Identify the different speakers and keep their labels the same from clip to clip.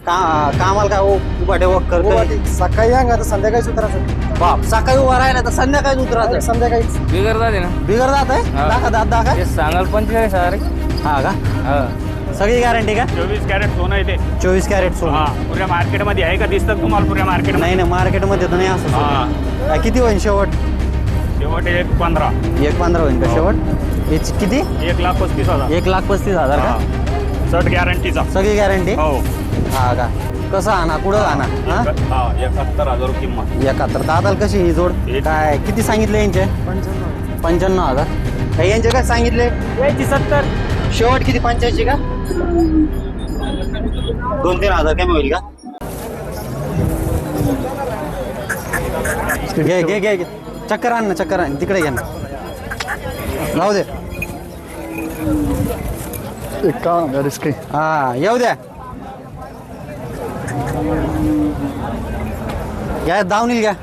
Speaker 1: कामाला काय उभाटे वक्कर
Speaker 2: सकाळी अंगा तर संध्याकाळीच उतरायचं.
Speaker 1: बाप सकाळी उभा राहिला तर संध्याकाळी उतरायचं.
Speaker 2: संध्याकाळीच
Speaker 3: बिगर जाते ना
Speaker 1: बिगर जात आहे दाखा दात दाखा.
Speaker 3: ते सांगाल 45,000
Speaker 1: हा का
Speaker 3: हा
Speaker 1: सगळी गॅरंटी का?
Speaker 4: 24 कॅरेट सोनं आहे ते.
Speaker 1: 24 कॅरेट सोनं.
Speaker 4: हा पुऱ्या मार्केटमध्ये आहे का दिसतं तुम्हाला पुऱ्या मार्केट?
Speaker 1: नाही नाही मार्केटमध्ये तर नाही असं सोनं.
Speaker 4: हा
Speaker 1: काय किती होईल शेवट?
Speaker 4: शेवट 1.15.
Speaker 1: 1.15 होईल का शेवट? याची किती?
Speaker 4: 1,35,000.
Speaker 1: 1,35,000 का?
Speaker 4: शर्ट गॅरंटीचा.
Speaker 1: सगळी गॅरंटी.
Speaker 4: हो
Speaker 1: हा का कसं आणा कुठं आणा? हा
Speaker 4: 71,000 किंमत.
Speaker 1: 71 दादाला कशी ही जोड? काय किती सांगितले यांचे? 95,000. काही यांचे काय सांगितले?
Speaker 2: यायची 70.
Speaker 1: शेवट किती 85 का? 2-3 हजार कमी होईल का? घे घे घे घे. चक्कर आण ना चक्कर आण तिकडे घे ना. राहू दे.
Speaker 2: 51,000 इसके.
Speaker 1: हा येऊ द्या. घ्या दावणील घ्या.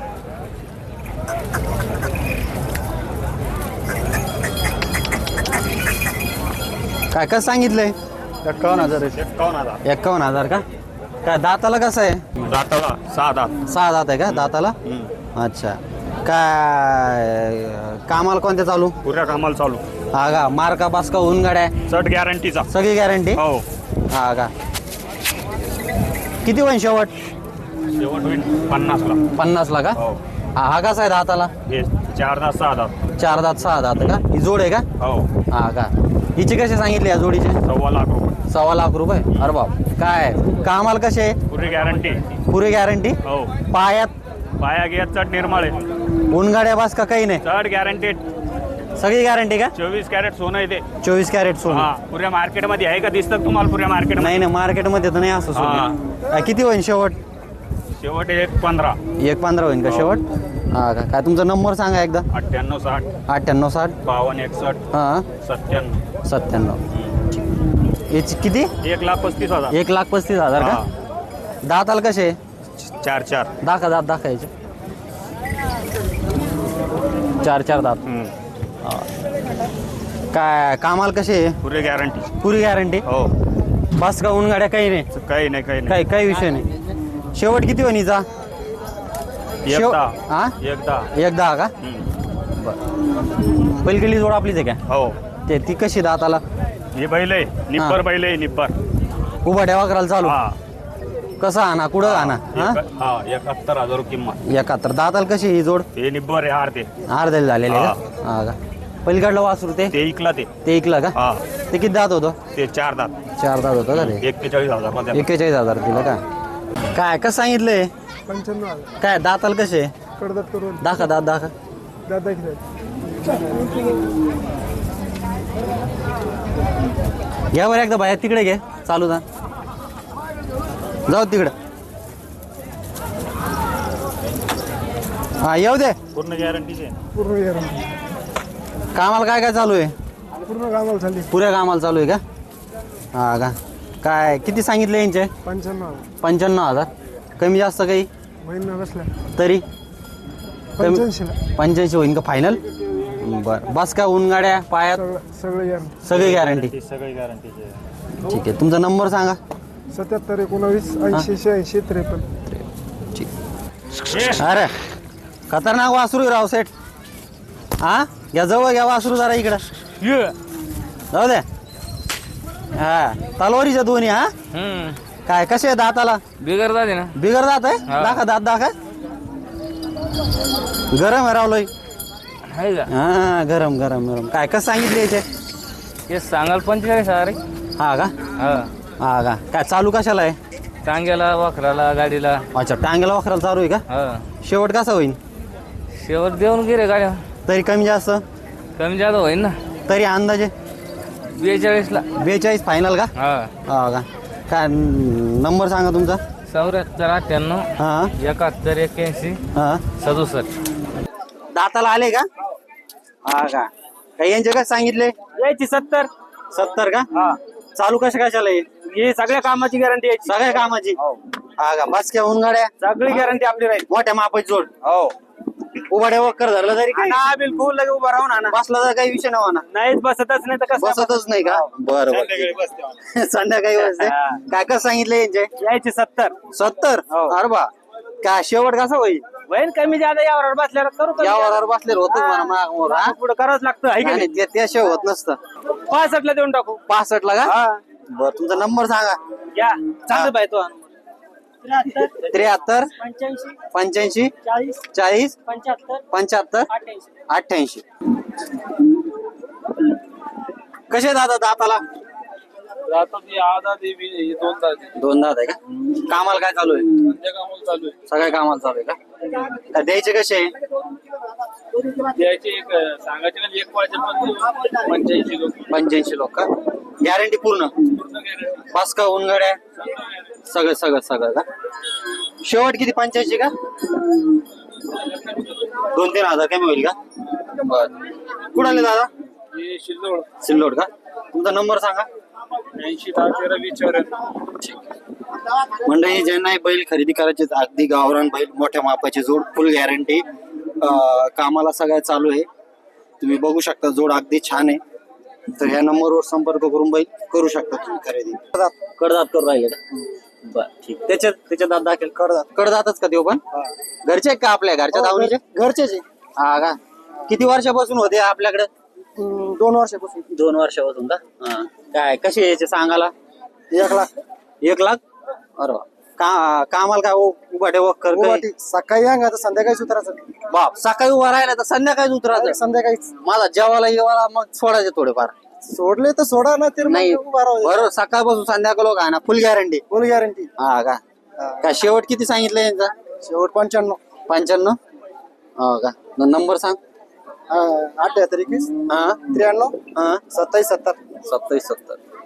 Speaker 1: काय कसं सांगितलंय?
Speaker 2: 51,000 आहे.
Speaker 4: 51,000.
Speaker 1: 51,000 का? काय दाताला कसं आहे?
Speaker 4: दाताला 6 दात.
Speaker 1: 6 दात आहे का दाताला? अच्छा काय कामाला कोणत्या चालू?
Speaker 4: पुऱ्या कामाला चालू.
Speaker 1: हा का मार्का बास्का होऊन गाड्या
Speaker 4: शर्ट गॅरंटीचा.
Speaker 1: सगळी गॅरंटी.
Speaker 4: हो
Speaker 1: हा का किती होईल शेवट?
Speaker 4: शेवट होईल 50ला.
Speaker 1: 50 ला का?
Speaker 4: हो
Speaker 1: हा कसा आहे दाताला?
Speaker 4: हे 4 दात 6 दात.
Speaker 1: 4 दात 6 दात का? ही जोड आहे का?
Speaker 4: हो
Speaker 1: हा का हिचे कसे सांगितले या जोडीचे?
Speaker 4: 1,15,000 रुपये.
Speaker 1: 1.25 रुपये. अरे बाप काय कामाला कसे आहे?
Speaker 4: पुरी गॅरंटी.
Speaker 1: पुरी गॅरंटी.
Speaker 4: हो
Speaker 1: पायात
Speaker 4: पाया घ्या चढ निर्मळ आहे.
Speaker 1: उनगाड्या बास का काही नाही
Speaker 4: चढ गॅरंटेड.
Speaker 1: सगळी गॅरंटी का?
Speaker 4: 24 कॅरेट सोनं आहे ते.
Speaker 1: 24 कॅरेट सोनं.
Speaker 4: हा पुऱ्या मार्केटमध्ये आहे का दिसतं तुम्हाला पुऱ्या मार्केट?
Speaker 1: नाही नाही मार्केटमध्ये तर नाही असं सोनं. काय किती होईल शेवट?
Speaker 4: शेवट 1.15.
Speaker 1: 1.15 होईल का शेवट? हा का काय तुमचा नंबर सांगा एकदा.
Speaker 4: 9860
Speaker 1: 9860
Speaker 4: 5261
Speaker 1: हां
Speaker 4: 97.
Speaker 1: 97. याची किती?
Speaker 4: 1,35,000.
Speaker 1: 1,35,000 का? दाताला कसे?
Speaker 4: 4
Speaker 1: दाखा दात दाखायचे. 4 दात. काय कामाला कसे?
Speaker 4: पुरे गॅरंटी.
Speaker 1: पुरी गॅरंटी.
Speaker 4: हो
Speaker 1: बस का उनगाड्या काही नाही?
Speaker 4: काही नाही काही नाही.
Speaker 1: काही काही विषय नाही. शेवट किती होईचा? हा एकदा का? पलीकडली जोड आपलीच आहे का?
Speaker 4: हो
Speaker 1: ते ती कशी दाताला?
Speaker 4: ही बैल आहे निब्बर. बैल आहे निब्बर.
Speaker 1: उभा ठेवा करायला चालू.
Speaker 4: हा
Speaker 1: कसा आणा कुठं आणा? हा
Speaker 4: 71,000 किंमत.
Speaker 1: 71 दाताला कशी ही जोड?
Speaker 4: हे निब्बर आहे हार ते.
Speaker 1: अर्ध्याला झालेले का? हा का पलीकडलं वासरू ते
Speaker 4: इकला ते.
Speaker 1: ते ऐकलं का?
Speaker 4: हा
Speaker 1: ते किती दात होतं?
Speaker 4: ते 4 दात.
Speaker 1: 4 दात होतं का ते?
Speaker 4: 41,000 मध्ये.
Speaker 1: 41,000 दिलं का? काय कसं सांगितलंय?
Speaker 2: 95,000.
Speaker 1: काय दाताला कसे?
Speaker 2: कडदात करून
Speaker 1: दाखा दात दाखा.
Speaker 2: दादा किती?
Speaker 1: घ्या बरं एकदा बाहेर तिकडे घे चालू जा जाऊ तिकडे. हा येऊ दे.
Speaker 4: पूर्ण गॅरंटीचे.
Speaker 2: पूर्ण गॅरंटी.
Speaker 1: कामाला काय काय चालू आहे?
Speaker 2: पूर्ण कामाला झाली.
Speaker 1: पुऱ्या कामाला चालू आहे का? हा का काय किती सांगितले यांचे?
Speaker 2: 95,000.
Speaker 1: 95,000. कमी जास्त काही
Speaker 2: महिना बसला.
Speaker 1: तरी
Speaker 2: 85,000.
Speaker 1: 85 होईन का फायनल? बरं बस का ऊन गाड्या पायात
Speaker 2: सगळं गॅरंटी.
Speaker 1: सगळी गॅरंटी.
Speaker 4: सगळी गॅरंटीचे.
Speaker 1: ठीक आहे तुमचा नंबर सांगा.
Speaker 2: 77 19 80 86 53.
Speaker 1: ठीक. अरे खतरनाक वासरू आहे राव सेठ. हा घ्या जवळ घ्या वासरू जरा इकडं जाऊ दे. हा तलवारीच्या दोन्ही. हा काय कसे आहे दाताला?
Speaker 3: बिगर जाते ना
Speaker 1: बिगर दात आहे.
Speaker 3: हा.
Speaker 1: दाखा दात दाखा. गरम आहे रावलोय.
Speaker 3: आहे का?
Speaker 1: हा गरम गरम गरम. काय कसं सांगितले याचे?
Speaker 3: ते सांगाल 45,000
Speaker 1: हा का?
Speaker 3: हा
Speaker 1: हा का काय चालू कशाला आहे?
Speaker 3: टांग्याला वाखराला गाडीला.
Speaker 1: अच्छा टांगेला वाखराला चालू आहे का?
Speaker 3: हा
Speaker 1: शेवट कसा होईल?
Speaker 3: शेवट देऊन गे रे गाड्या.
Speaker 1: तरी कमी जास्त
Speaker 3: कमी जादा होईल ना.
Speaker 1: तरी अंदाजे
Speaker 3: 42ला.
Speaker 1: 42 फायनल का?
Speaker 3: हा
Speaker 1: हा का काय नंबर सांगा तुमचा.
Speaker 3: 74
Speaker 1: हा
Speaker 3: 98 71 81
Speaker 1: हा
Speaker 3: 67.
Speaker 1: दाताला आले का? हा का काही यांचे काय सांगितले?
Speaker 2: यायची 70.
Speaker 1: 70 का?
Speaker 2: हा
Speaker 1: चालू कशा कशाला आहे?
Speaker 2: ही सगळ्या कामाची गॅरंटी यायची.
Speaker 1: सगळ्या कामाची. हा का बस क्या होऊन गाड्या
Speaker 2: सगळी गॅरंटी आपली राहील.
Speaker 1: मोठ्या मापाची जोड.
Speaker 2: हो
Speaker 1: उभाड्या वक्कर धरलं तरी काय
Speaker 2: ना बिलकुल लगे उभा राहून आणा
Speaker 1: बसला तर काही विषय नव्हा ना
Speaker 2: नाहीच बसतच नाही तर कसं
Speaker 1: बसतच नाही का बरं बरं संध्याकाळी बसते काय कसं सांगितलं यांचे
Speaker 2: यायचे 70
Speaker 1: 70
Speaker 2: हो.
Speaker 1: अरे बा काय शेवट कसा होईल
Speaker 2: वैन कमी जादा यावर बसल्यावर करू कमी
Speaker 1: यावर बसले होत म्हणा माग मोर हा?
Speaker 2: पुढे करावंच लागतं आहे का
Speaker 1: नाही,
Speaker 2: नाही?
Speaker 1: त्याशिवाय होत नसतं
Speaker 2: 65 ला देऊन टाकू
Speaker 1: 65 ला का
Speaker 2: हा
Speaker 1: बर तुमचा नंबर सांगा
Speaker 2: या चांगलं पाहिजे तो
Speaker 1: 73 85 40 75 88 कसे दादा दाताला दोन दात आहे का कामाला काय चालू आहे सगळ्या कामाला चालू आहे का काय द्यायचे कसे आहे
Speaker 3: सांगायचे एक वाजे
Speaker 1: 85 लोक का गॅरंटी पूर्ण पास का उनगड्या सगळं सगळं सगळं का शेवट किती 85 का 2-3 हजार कमी होईल का बर कुठं आले दादा सिल्लोड का तुमचा नंबर सांगा
Speaker 3: 80
Speaker 1: मंडळी ज्यांना हे बैल खरेदी करायचे आहेत, अगदी गावरान बैल मोठ्या मापाची जोड फुल गॅरंटी कामाला सगळ्या चालू आहे तुम्ही बघू शकता जोड अगदी छान आहे तर ह्या नंबरवर संपर्क करून बैल करू शकता तुम्ही खरेदी कडदात करून राहिले का बर ठीक त्याच्यात दात दाखल कडदातच का देऊ पण घरचे आहेत का आपल्या घरच्या धावणीचे
Speaker 2: घरचेच
Speaker 1: हा का किती वर्षापासून होते आपल्याकडे
Speaker 2: 2 वर्षापासून
Speaker 1: 2 वर्षापासून का हा काय कसे यायचे सांगाला
Speaker 2: 1 लाख
Speaker 1: 1 लाख अरे वा. कामाला काय उभाटे वक्कर काही?
Speaker 2: सकाळी अंग आता संध्याकाळी उतरायचं
Speaker 1: बाप सकाळी उभा राहिला तर संध्याकाळी उतरायचं
Speaker 2: संध्याकाळीच
Speaker 1: मला जेवायला येवाला मग सोडायचे थोडेफार
Speaker 2: सोडले तर सोडा ना तर
Speaker 1: नाही
Speaker 2: उभा राहू
Speaker 1: बरोबर सकाळपासून संध्याकाळ लोक आहे ना फुल गॅरंटी
Speaker 2: फुल गॅरंटी
Speaker 1: हा का काय शेवट किती सांगितलं यांचा
Speaker 2: शेवट 95
Speaker 1: 95 हो का नंबर सांग
Speaker 2: 78 21
Speaker 1: हा
Speaker 2: 93
Speaker 1: हा
Speaker 2: 27 70
Speaker 1: 27 70